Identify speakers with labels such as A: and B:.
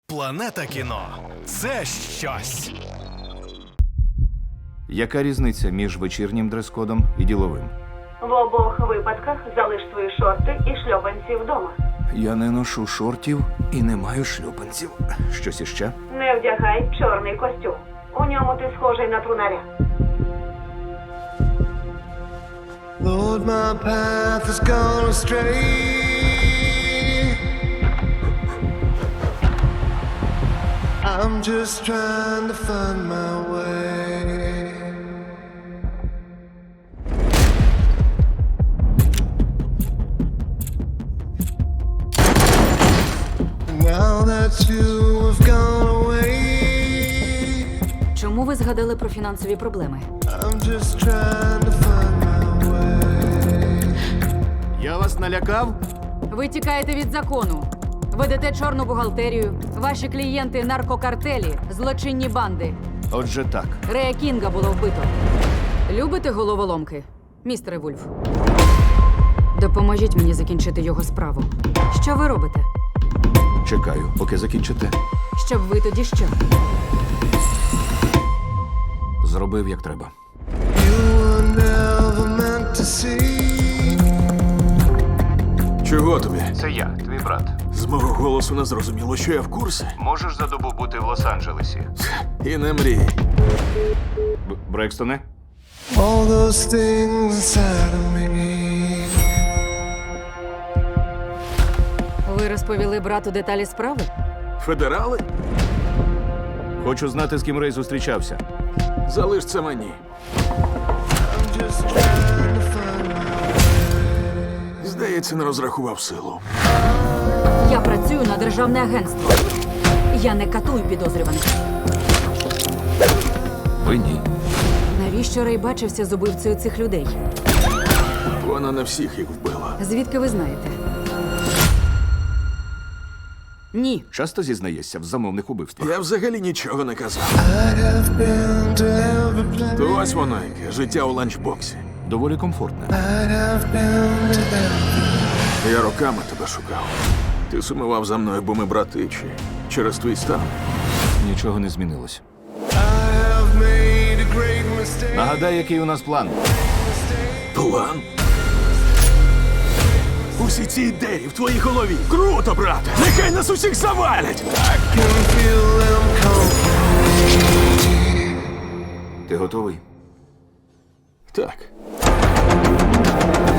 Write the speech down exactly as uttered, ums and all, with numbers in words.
A: Планета кіно – це щось.
B: Яка різниця між вечірнім дрес-кодом і діловим?
C: В обох випадках залиш свої шорти і шльопанці вдома.
B: Я не ношу шортів і не маю шлюпанців. Щось іще?
C: Не вдягай чорний костюм. У ньому ти схожий на трунаря.
D: Lord, my path has gone astray. I'm just trying to find my way. Now that you have gone away,
E: Чому ви згадали про фінансові проблеми?
D: I'm just trying to find my way.
B: Я вас налякав?
E: Ви тікаєте від закону. Ведете чорну бухгалтерію. Ваші клієнти – наркокартелі, злочинні банди.
B: Отже так.
E: Рея Кінга було вбито. Любите головоломки, містере Вульф? Допоможіть мені закінчити його справу. Що ви робите?
B: Чекаю, поки закінчите.
E: Щоб ви тоді що?
B: Зробив, як треба.
D: You were never meant to see.
F: Чого тобі?
B: Це я, твій брат.
F: З мого голосу не зрозуміло, що я в курсі.
B: Можеш за добу бути в Лос-Анджелесі?
F: І не мрій.
B: Б- Брекстоне?
D: All those things inside of me.
E: Ви розповіли брату деталі справи?
F: Федерали?
B: Хочу знати, з ким Рей зустрічався.
F: Залиш це мені.
D: I'm just trying to find my
F: Здається, не розрахував силу.
E: Я працюю на державне агентство. Я не катую підозрюваних.
B: Ви ні.
E: Навіщо Рей бачився з убивцею цих людей?
F: Вона не всіх їх вбила.
E: Звідки ви знаєте? Ні.
B: Часто зізнаєшся в замовних убивствах?
F: Я взагалі нічого не казав.
D: I have been to every place.
F: То ось воно яке, життя у ланчбоксі.
B: Доволі комфортне.
D: I have been to every.
F: Я роками тебе шукав. Ти сумував за мною, бо ми брати, чи через твій стан.
B: Нічого не змінилось.
D: I have made a great mistake.
B: Нагадай, який у нас план.
F: План? Усі ці ідеї в твоїй голові. Круто, брате! Нехай нас усіх завалять!
D: Can feel them come from me.
B: Ти готовий?
F: Так.